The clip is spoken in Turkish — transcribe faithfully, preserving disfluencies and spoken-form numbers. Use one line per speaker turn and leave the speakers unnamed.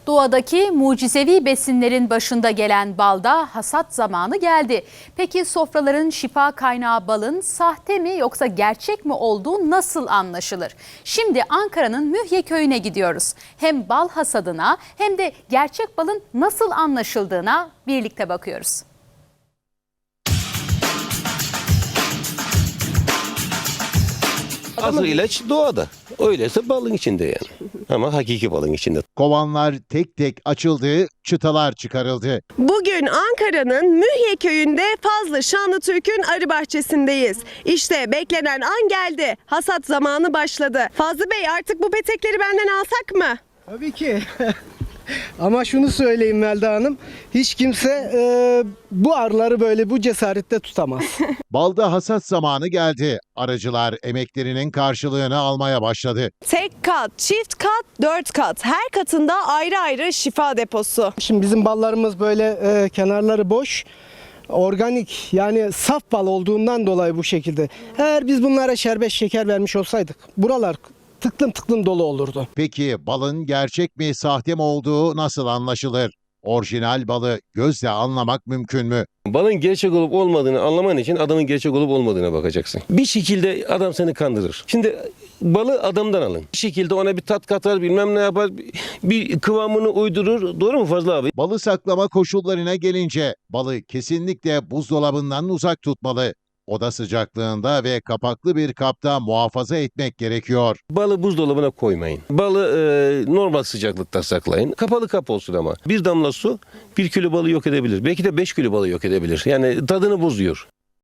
Doğadaki mucizevi besinlerin başında gelen balda hasat zamanı geldi. Peki sofraların şifa kaynağı balın sahte mi yoksa gerçek mi olduğu nasıl anlaşılır? Şimdi Ankara'nın Mühye köyüne gidiyoruz. Hem bal hasadına hem de gerçek balın nasıl anlaşıldığına birlikte bakıyoruz.
Asıl ilaç doğada. Öyleyse balın içinde yani. Ama hakiki balın içinde.
Kovanlar tek tek açıldı, çıtalar çıkarıldı.
Bugün Ankara'nın Mühye köyünde Fazlı Şanlıtürk'ün arı bahçesindeyiz. İşte beklenen an geldi. Hasat zamanı başladı. Fazlı Bey, artık bu petekleri benden alsak mı?
Tabii ki. Ama şunu söyleyeyim Melda Hanım, hiç kimse e, bu arıları böyle bu cesarette tutamaz.
Balda hasat zamanı geldi. Arıcılar emeklerinin karşılığını almaya başladı.
Tek kat, çift kat, dört kat. Her katında ayrı ayrı şifa deposu.
Şimdi bizim ballarımız böyle e, kenarları boş, organik, yani saf bal olduğundan dolayı bu şekilde. Eğer biz bunlara şerbet şeker vermiş olsaydık buralar tıklım tıklım dolu olurdu.
Peki balın gerçek mi sahte mi olduğu nasıl anlaşılır? Orijinal balı gözle anlamak mümkün mü?
Balın gerçek olup olmadığını anlaman için adamın gerçek olup olmadığına bakacaksın. Bir şekilde adam seni kandırır. Şimdi balı adamdan alın. Bir şekilde ona bir tat katar, bilmem ne yapar, bir kıvamını uydurur. Doğru mu Fazlı abi?
Balı saklama koşullarına gelince balı kesinlikle buzdolabından uzak tutmalı. Oda sıcaklığında ve kapaklı bir kapta muhafaza etmek gerekiyor.
Balı buzdolabına koymayın. Balı e, normal sıcaklıkta saklayın. Kapalı kap olsun ama. Bir damla su bir kilo balı yok edebilir. Belki de beş kilo balı yok edebilir. Yani tadını bozuyor.